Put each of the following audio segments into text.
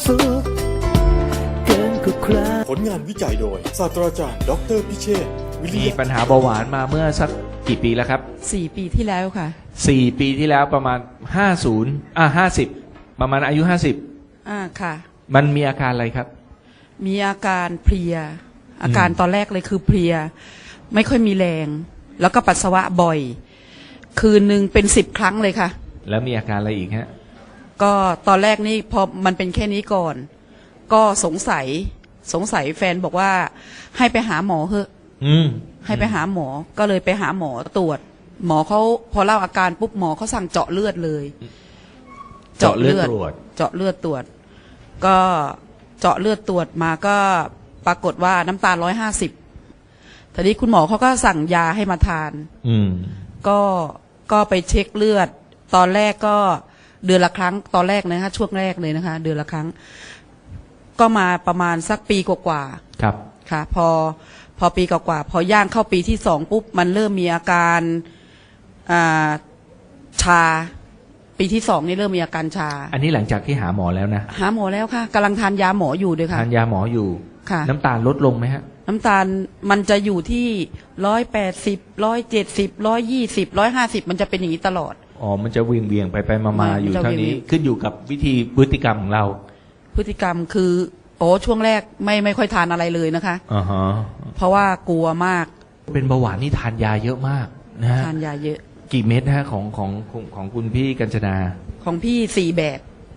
สุขเกินกว่าใครผลงานวิจัยโดยศาสตราจารย์ดออเตอร์พิเชษฐ์วิริมียะปัญหาเบาหวานมาเมื่อสักกี่ปีแล้วครับ 4 ปีที่แล้วค่ะ 4 ปีที่แล้วประมาณ50ประมาณอายุค่ะ 50มันมีอาการอะไรครับมีอาการเพลีย อาการตอนแรกเลยคือเพลีย ไม่ค่อยมีแรง แล้วก็ปัสสาวะบ่อย คืนหนึ่งเป็น10 ครั้งเลยค่ะแล้วมีอาการอะไรอีกฮะก็ตอนแรกนี่พอมันเป็นแค่นี้ก่อน ก็สงสัยแฟนบอกว่าให้ไปหาหมอเถอะ ให้ไปหาหมอ ก็เลยไปหาหมอตรวจ หมอเขาพอเล่าอาการปุ๊บหมอเขาสั่งเจาะเลือดเลยเจาะเลือดตรวจเจาะเลือดตรวจ ก็เจาะเลือดตรวจมาก็ปรากฏว่าน้ำตาล150ทีนี้คุณหมอเขาก็สั่งยาให้มาทาน ก็ไปเช็คเลือด ตอนแรกก็เดือนละครั้ง ตอนแรกนะคะช่วงแรกเลยนะคะ เดือนละครั้ง ก็มาประมาณสักปีกว่าๆครับค่ะพอปีกว่าๆพอย่างเข้าปีที่2ปุ๊บมันเริ่มมีอาการชา ปีที่2นี่เริ่มมีอาการชาอันนี้หลังจากที่หาหมอแล้วนะหาหมอแล้วค่ะกำลังทานยาหมออยู่ด้วยค่ะทานยาหมออยู่ค่ะน้ำตาลลดลงไหมฮะน้ำตาลมันจะอยู่ที่180 170 120 150มันจะเป็นอย่างนี้ตลอดอ๋อ มันจะเวียงไปมามันอยู่จะเท่านี้เวียงขึ้นอยู่กับวิธีพฤติกรรมของเราพฤติกรรมคือช่วงแรกไม่ค่อยทานอะไรเลยนะคะอ่าฮะเพราะว่ากลัวมากเป็นเบาหวานนี่ทานยาเยอะมากนะฮะทานยาเยอะกี่เม็ดฮะของคุณพี่กัญจนาของพี่4 แบบ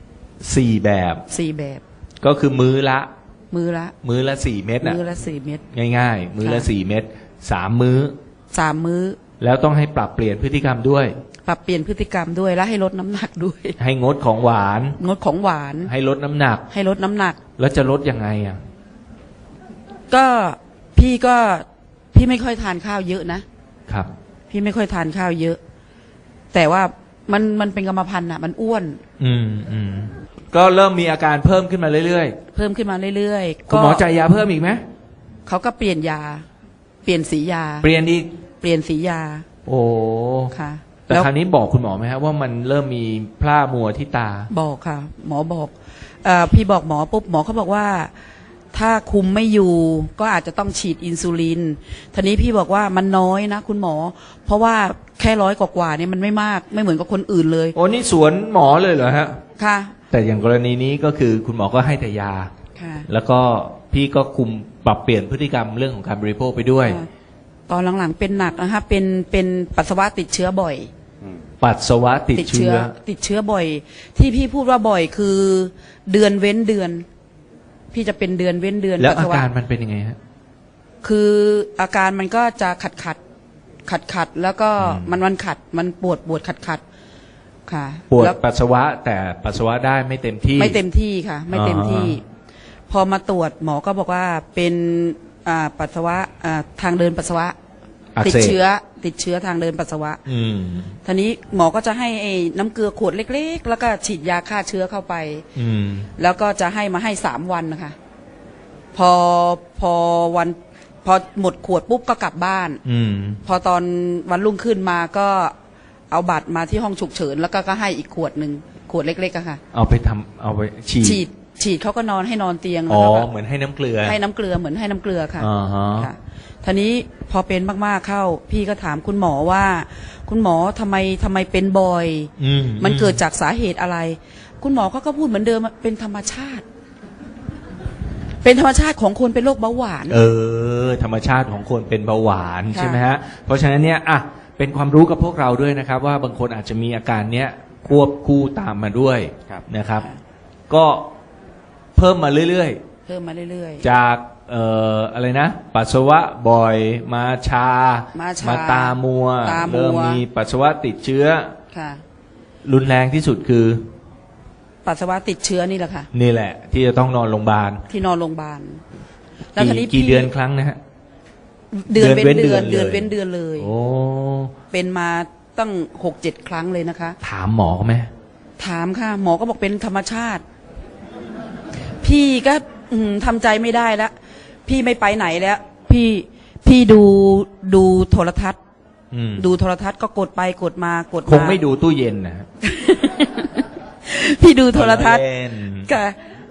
4 แบบ 4 แบบก็คือมื้อละมือละ 4 เม็ดอ่ะมือละ4 เม็ดง่ายๆ มื้อละค่ะ 4 เม็ด3 มื้อ 3 มื้อแล้วต้องให้ปรับเปลี่ยนพฤติกรรมด้วยปรับเปลี่ยนพฤติกรรมด้วยและให้ลดน้ำหนักด้วยให้งดของหวานงดของหวานให้ลดน้ำหนักให้ลดน้ำหนักแล้วจะลดยังไงอ่ะก็พี่ไม่ค่อยทานข้าวเยอะนะครับ พี่ไม่ค่อยทานข้าวเยอะ แต่ว่ามันเป็นกรรมพันธุ์อ่ะมันอ้วนก็เริ่มมีอาการเพิ่มขึ้นมาเรื่อยเพิ่มขึ้นมาเรื่อยๆๆคุณหมอจ่ายยาเพิ่มอีกไหมเขาก็เปลี่ยนยา เปลี่ยนสียาเปลี่ยนอีกเปลี่ยนสียาโอ้ค่ะแต่คราวนี้บอกคุณหมอไหมครับว่ามันเริ่มมีพร่ามัวที่ตาบอกค่ะ หมอบอกพี่บอกหมอปุ๊บหมอเขาบอกว่า ถ้าคุมไม่อยู่ก็อาจจะต้องฉีดอินซูลินทีนี้พี่บอกว่ามันน้อยนะคุณหมอ เพราะว่าแค่100 กว่าเนี่ยมันไม่มากไม่เหมือนกับคนอื่นเลยโอ้นี่สวนหมอเลยเหรอฮะค่ะแต่อย่างกรณีนี้ก็คือคุณหมอก็ให้แต่ยาค่ะแล้วก็พี่ก็คุมปรับเปลี่ยนพฤติกรรมเรื่องของการบริโภคไปด้วยตอนหลังๆเป็นหนักนะคะเป็นปัสสาวะติดเชื้อบ่อยปัสสาวะติดเชื้อติดเชื้อบ่อย ที่พี่พูดว่าบ่อยคือเดือนเว้นเดือน พี่จะเป็นเดือนเว้นเดือนแล้วปัสอาสาวะการมันเป็นยังไงฮะคืออาการมันก็จะขัดแล้วก็มันขัดมันปวดขัดค่ะปวดแล้วปัสสาวะแต่ปัสสาวะได้ไม่เต็มที่ไม่เต็มที่ค่ะ ไม่เต็มที่ พอมาตรวจหมอก็บอกว่าเป็นปัสสาวะทางเดินปัสสาวะอักติดเสบเชื้อทางเดินปัสสาวะ ทีนี้หมอก็จะให้ไอ้น้ำเกลือขวดเล็กๆ แล้วก็ฉีดยาฆ่าเชื้อเข้าไป แล้วก็จะให้มาให้3 วันนะคะพอหมดขวดปุ๊บก็กลับบ้าน พอตอนวันรุ่งขึ้นมาก็เอาบัตรมาที่ห้องฉุกเฉินแล้วก็ให้อีกขวดหนึ่งขวดเล็กๆอะค่ะเอาไปฉีดเขาก็ให้นอนเตียงอ๋อแล้วก็เหมือนให้น้ำเกลือให้น้ำเกลือเหมือนให้น้ำเกลือค่ะอ่าฮะค่ะทีนี้พอเป็นมากๆเข้า พี่ก็ถามคุณหมอว่า คุณหมอทำไมเป็นบ่อย มันเกิดจากสาเหตุอะไร คุณหมอเขาก็พูดเหมือนเดิมเป็นธรรมชาติ เป็นธรรมชาติของคนเป็นโรคเบาหวานธรรมชาติของคนเป็นเบาหวานค่ะใช่ไหมฮะ เพราะฉะนั้นเนี่ยเป็นความรู้กับพวกเราด้วยนะครับ ว่าบางคนอาจจะมีอาการเนี้ยควบคู่ตามมาด้วยนะครับ ก็เพิ่มมาเรื่อยเพิ่มมาเรื่อยๆ จากอะไรนะ ปัสสาวะบ่อยมาชามาตามัว เริ่มมีปัสสาวะติดเชื้อๆค่ะรุนแรงที่สุดคือปัสสาวะติดเชื้อนี่แหละค่ะนี่แหละ ที่จะต้องนอนโรงพยาบาลที่นอนโรงพยาบาลแล้วทีนี้กี่เดือนครั้งนะฮะเดือนเว้นเดือนเดือนเว้นเดือนเว้นเดือนเลยโอ้เป็นมาตั้ง6-7 ครั้งเลยนะคะถามหมอไหมถามค่ะ หมอก็บอกเป็นธรรมชาติ พี่ก็ทำใจไม่ได้แล้วพี่ไม่ไปไหนแล้ว พี่ดูโทรทัศน์ ดูโทรทัศน์ก็กดไปกดมากดมาคงไม่ดูตู้เย็นนะฮะพี่ดูโทรทัศน์เล่นค่ะ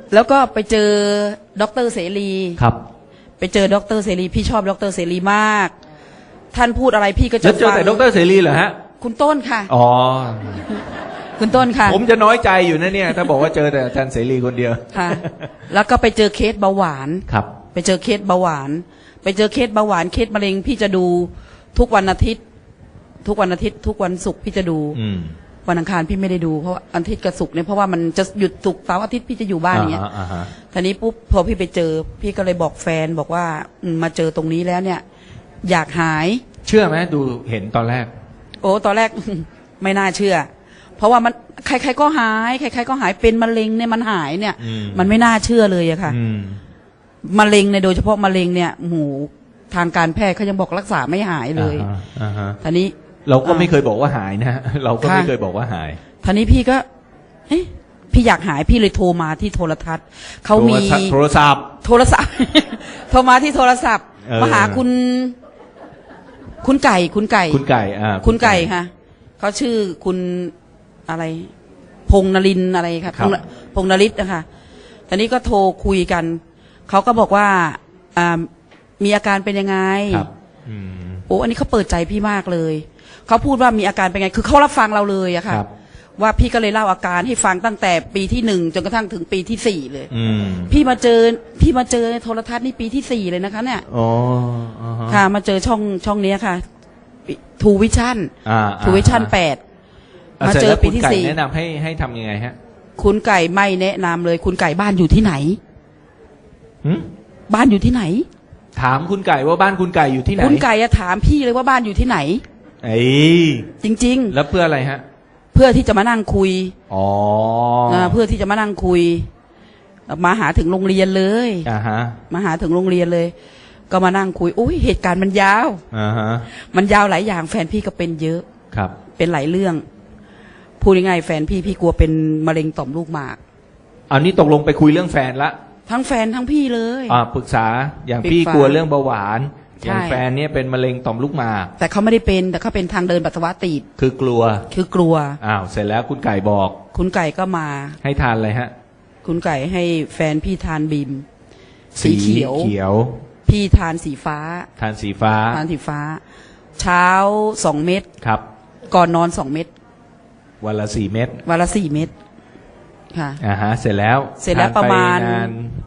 แล้วก็ไปเจอดรเสรีครับไปเจอดรเสรีพี่ชอบดรเสรีมาก ท่านพูดอะไรพี่ก็จะแล้วเจอแต่ดรเสรีเหรอฮะคุณต้นค่ะอ๋อคุณต้นค่ะผมจะน้อยใจอยู่นะเนี่ย ถ้าบอกว่าเจอแต่อาจารย์เสรีคนเดียวค่ะ แล้วก็ไปเจอเคสเบาหวานครับไปเจอเคสเบาหวาน ไปเจอเคสเบาหวานเคสมะเร็งพี่จะดูทุกวันอาทิตย์ ทุกวันอาทิตย์ ทุกวันศุกร์พี่จะดูอืมวันอังคารพี่ไม่ได้ดูเพราะว่าอาทิตย์กับศุกร์เนี่ยเพราะว่ามันจะหยุดศุกร์เสาร์อาทิตย์พี่จะอยู่บ้านอย่างเงี้ยอ่าฮะทีนี้ปุ๊บพอพี่ไปเจอ พี่ก็เลยบอกแฟนบอกว่ามาเจอตรงนี้แล้วเนี่ย อยากหายเชื่อไหมดูเห็นตอนแรกโอ้ตอนแรก ไม่น่าเชื่อ เพราะว่ามันใครๆก็หาย ใครๆก็หายเป็นมะเร็งเนี่ยมันหายเนี่ยอืมมันไม่น่าเชื่อเลยอะค่ะอืมมะเร็งเนี่ยโดยเฉพาะมะเร็งเนี่ยหมูทางการแพทย์เขายังบอกรักษาไม่หายเลยอ่าฮะทีนี้เราก็ไม่เคยบอกว่าหายนะฮะเราก็ไม่ค่ะเคยบอกว่าหายทีนี้พี่ก็ เอ๊ะพี่อยากหายพี่เลยโทรมาที่โทรทัศน์เขามีโทรศัพท์โทรศัพท์ โทรมาที่โทรศัพท์เออมาหาคุณไก่คุณไก่คุณไก่ค่ะเขาชื่อคุณอะไร พงษ์นรินทร์อะไรค่ะครับพงษ์นริศนะคะตอนนี้ก็โทรคุยกันเขาก็บอกว่ามีอาการเป็นยังไงครับอืมโอ้อันนี้เขาเปิดใจพี่มากเลยเขาพูดว่ามีอาการเป็นไงคือเขารับฟังเราเลยอะค่ะครับว่าพี่ก็เลยเล่าอาการให้ฟังตั้งแต่ปีที่1จนกระทั่งถึงปีที่4เลยอืมพี่มาเจอในโทรทัศน์นี่ปีที่4เลยนะคะเนี่ยอ๋ออ่าฮะค่ะ มาเจอช่องเนี้ยค่ะทูวิชั่นอ่าทูวิชั่น8 อ่ะมาสร็จเจอแล้วปีคุณที่ไก่สี่แนะนำให้ทำยังไงฮะคุณไก่ไม่แนะนำเลย คุณไก่บ้านอยู่ที่ไหนหืมบ้านอยู่ที่ไหนถามคุณไก่ว่าบ้านคุณไก่อยู่ที่ไหนคุณไก่อะถามพี่เลยว่าบ้านอยู่ที่ไหนเอ้ยจริงแล้วเพื่ออะไรฮะๆ เพื่อที่จะมานั่งคุยอ๋อเพื่อที่จะมานั่งคุย มาหาถึงโรงเรียนเลยอ่าฮะมาหาถึงโรงเรียนเลย ก็มานั่งคุยอุ้ยเหตุการณ์มันยาวอ่าฮะมันยาวหลายอย่างแฟนพี่ก็เป็นเยอะครับเป็นหลายเรื่อง พูดง่ายๆแฟนพี่กลัวเป็นมะเร็งต่อมลูกหมากอันนี้ตกลงไปคุยเรื่องแฟนละทั้งแฟนทั้งพี่เลยปรึกษาอย่างปรึกษาพี่กลัวเรื่องเบาหวานใช่อย่างแฟนเนี่ยเป็นมะเร็งต่อมลูกหมากแต่เขาไม่ได้เป็นแต่เขาเป็นทางเดินปัสสาวะตีบคือกลัวคือกลัวเสร็จแล้วคุณไก่บอกคุณไก่ก็มาให้ทานอะไรฮะคุณไก่ให้แฟนพี่ทานบีม สีเขียว พี่ทานสีฟ้าทานสีฟ้าทานสีฟ้า เช้า2 เม็ดครับก่อนนอน2 เม็ดวันละ4 เม็ดวันละ4 เม็ดค่ะเสร็จแล้วเสร็จแล้วทนประมาณนาน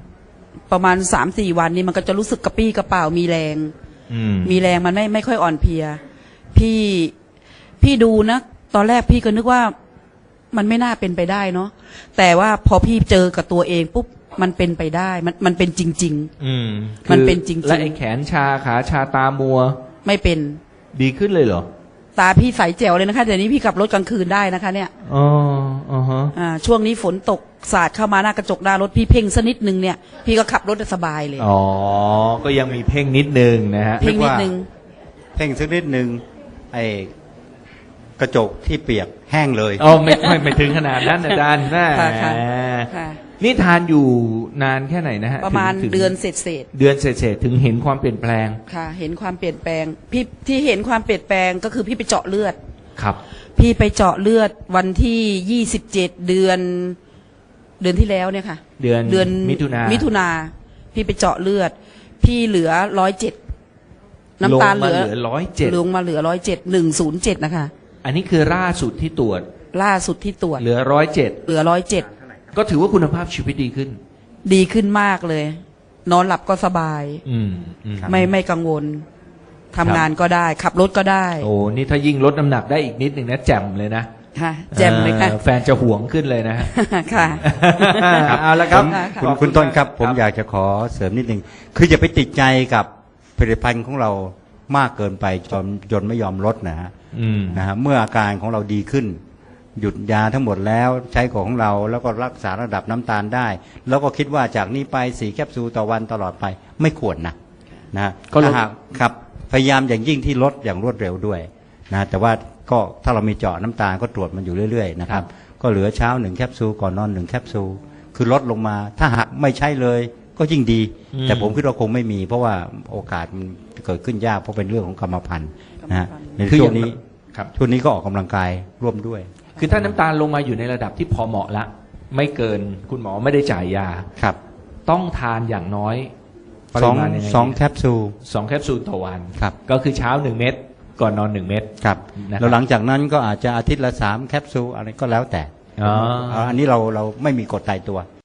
3-4 วันนี้มันก็จะรู้สึกกระปี้กระเป๋ามีแรงอืมมีแรงมันไม่ค่อยอ่อนเพลีย พี่ดูนะ ตอนแรกพี่ก็นึกว่ามันไม่น่าเป็นไปได้เนาะแต่ว่าพอพี่เจอกับตัวเองปุ๊บมันเป็นไปได้มันเป็นจริงอืมมันเป็นจริงๆและไอ้แขนชาขาชาตามัวๆ ไม่เป็นดีขึ้นเลยเหรอตาพี่ใสแจ๋วเลยนะคะเดี๋ยวนี้พี่ขับรถกลางคืนได้นะคะเนี่ยอ๋ออ๋อฮะช่วงนี้ฝนตกสาดเข้ามาหน้ากระจกหน้ารถพี่เพ่งสักนิดนึงเนี่ย พี่ก็ขับรถได้สบายเลยอ๋อ ก็ยังมีเพ่งนิดนึงนะฮะเพ่งนิดนึงเพ่งสักนิดหนึ่งไอ้กระจกที่เปียกแห้งเลยอ๋อไม่ถึงขนาดนั้นอาจารย์นะค่ะค่ะนี่ทานอยู่นานแค่ไหนนะฮะประมาณถึงเดือนเศษเดือนเศษๆถึงเห็นความเปลี่ยนแปลงๆค่ะ เห็นความเปลี่ยนแปลงพี่ที่เห็นความเปลี่ยนแปลงก็คือพี่ไปเจาะเลือดครับพี่ไปเจาะเลือดวันที่27เดือนที่แล้วเนี่ยค่ะเดือนมิถุนาพี่ไปเจาะเลือด พี่เหลือ107น้ำตาลเหลือ 107 ลงมาเหลือ107นะคะอันนี้คือล่าสุดที่ตรวจล่าสุดที่ตรวจเหลือ107 เหลือ107 ก็ถือว่าคุณภาพชีวิตดีขึ้นดีขึ้นมากเลย นอนหลับก็สบายอืมไม่กังวลทำงานก็ได้ ขับรถก็ได้โอ้นี่ถ้ายิ่งลดน้ำหนักได้อีกนิดหนึ่งนะแจ่มเลยนะค่ะแจ่มเลยค่ะแฟนจะหวงขึ้นเลยนะฮะค่ะเอาละครับคุณต้นครับ ผมอยากจะขอเสริมนิดหนึ่งคืออย่าไปติดใจกับผลิตภัณฑ์ของเรามากเกินไปจนไม่ยอมลดนะฮะอืมนะฮะเมื่ออาการของเราดีขึ้น หยุดยาทั้งหมดแล้วใช้ของเราแล้วก็รักษาระดับน้ำตาลได้ แล้วก็คิดว่าจากนี้ไป4 แคปซูลต่อวันตลอดไปไม่ควรนะฮะก็ลดถ้าหากครับพยายามอย่างยิ่งที่ลดอย่างรวดเร็วด้วยนะแต่ว่าก็ถ้าเรามีเจาะน้ำตาลก็ตรวจมันอยู่เรื่อยๆนะครับก็เหลือเช้า1 แคปซูลก่อนนอน1 แคปซูลคือลดลงมาถ้าหากไม่ใช่เลยก็ยิ่งดี แต่ผมคิดว่าคงไม่มี เพราะว่าโอกาสมันเกิดขึ้นยากเพราะเป็นเรื่องของกรรมพันธุ์นะฮะในคือช่อวย่าง งนี้ครับช่วงนี้ก็ออกกำลังกายร่วมด้วยคือถ้าน้ำตาลลงมาอยู่ในระดับที่พอเหมาะละไม่เกินคุณหมอไม่ได้จ่ายยาครับต้องทานอย่างน้อยปสริองมาณยังไงสองแคปซูล 2 แคปซูลต่อวันครับก็คือเช้า1 เม็ดก่อนนอน1 เม็ดครับนะครับแล้วหลังจากนั้นก็อาจจะอาทิตย์ละ3 แคปซูลอะไรก็แล้วแต่อ๋ออันนี้เราไม่มีกฎตายตัว